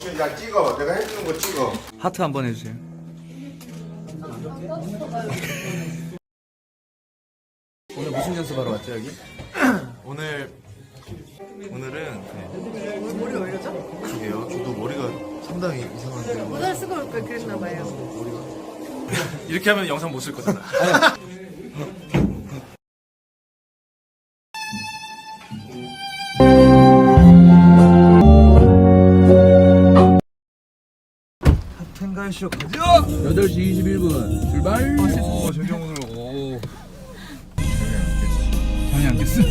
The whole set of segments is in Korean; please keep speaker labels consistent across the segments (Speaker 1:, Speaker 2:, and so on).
Speaker 1: 야 찍어. 내가 해주는 거 찍어.
Speaker 2: 하트 한번 해주세요. 오늘 무슨 연습하러 왔죠 여기?
Speaker 3: 오늘은 머리 올려줘? 그게요. 저도 머리가 상당히 이상한데요.
Speaker 4: 모자 쓰고 올 걸 그랬나봐요.
Speaker 2: 이렇게 하면 영상 못 쓸 거잖아.
Speaker 5: 텐가이쇼 가자! 8시 21분 출발! 저기 오늘 잠이 안 깼어?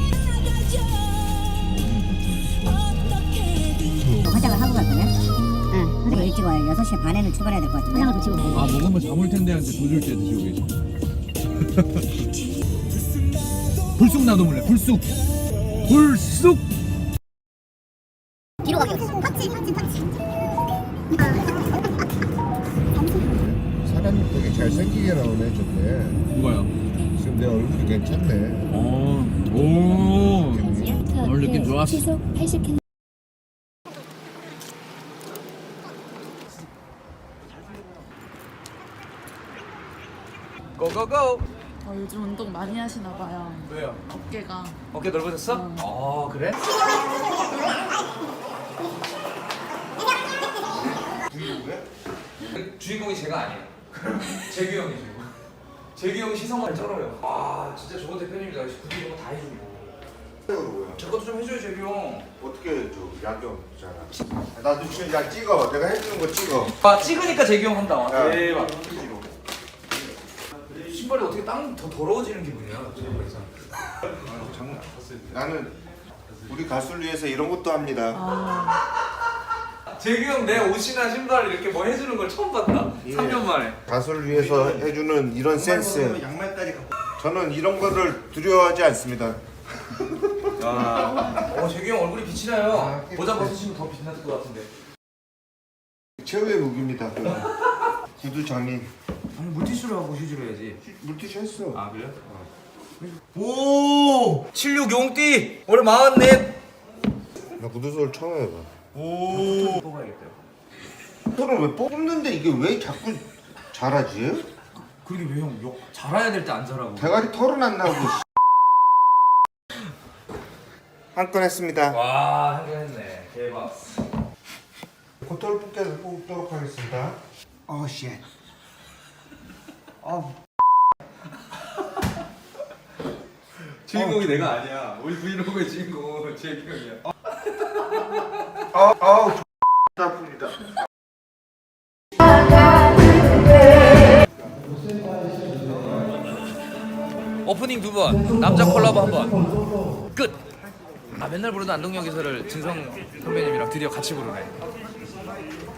Speaker 6: 화장을 하고 갈 거냐? 응. 그리고 일찍 와요. 6시 반에는 출발해야 될 것 같은데. 화장을 좀 치고.
Speaker 5: 아 먹으면 잠올 텐데 한테 도줄째 드시고 계셔. 불쑥 나도 몰래 불쑥! 불쑥!
Speaker 6: 뒤로 가기로. 펀치.
Speaker 1: 사람이 되게 잘생기게 나오네 좋네.
Speaker 5: 누가요?
Speaker 1: 지금 내 얼굴이 괜찮네.
Speaker 5: 오 오늘 느낌 좋았어.
Speaker 7: 시속 80km.
Speaker 2: 고고고.
Speaker 4: 요즘 운동 많이 하시나 봐요.
Speaker 2: 왜요?
Speaker 4: 어깨가.
Speaker 2: 어깨 넓어졌어? 그래? 주인공이 제가 아니에요. 재규 형이죠. 재규 형이 시선만 쩔어요. 아 진짜 좋은 대표님이다. 굳이 이런 거 다 해주고.
Speaker 1: 뭐야?
Speaker 2: 제 것도 좀 해줘요 재규 형.
Speaker 1: 어떻게 저 야경 있잖아. 나도 지금 야 찍어. 내가 해주는 거 찍어.
Speaker 2: 아 찍으니까 재규 형 한다.
Speaker 1: 야.
Speaker 2: 대박. 신발이 어떻게 땅 더 더러워지는 기분이야. 신발에서.
Speaker 1: 나는 우리 가수를 위해서 이런 것도 합니다.
Speaker 2: 재규 형 내 옷이나 신발 이렇게 뭐 해주는 걸 처음 봤다.
Speaker 1: 예.
Speaker 2: 3년 만에.
Speaker 1: 가수를 위해서 해주는 이런 센스. 저는 이런 거를 두려워하지 않습니다.
Speaker 2: 재규 형 얼굴이 빛이 나요. 모자 벗으시면 더 빛이 나을 것 같은데.
Speaker 1: 최후의 무기입니다. 구두 장인.
Speaker 2: 아니 물티슈로 하고 휴지로 해야지.
Speaker 1: 물티슈 했어.
Speaker 2: 아 그래요? 오! 76 용띠! 올해 44!
Speaker 1: 나 구두소를 처음 해봐.
Speaker 2: 오! 뽑아야겠대요.
Speaker 1: 털을 왜 뽑는데 이게 왜 자꾸 자라지?
Speaker 2: 그러게 왜 형 잘해야 될 때 안 잘하고.
Speaker 1: 대가리 털은 안 나오고. 한 건 했습니다.
Speaker 2: 와, 한 개 했네. 대박.
Speaker 1: 고털 뽑도록 하겠습니다. 오 쉣.
Speaker 2: 주인공이 내가 아니야. 우리 브이로그의 주인공은 재규 형이야.
Speaker 1: 아우 아픕니다.
Speaker 2: 오프닝 2번, 남자 콜라보 1번. 끝! 아 맨날 부르던 안동역 기사를 진성 선배님이랑 드디어 같이 부르네.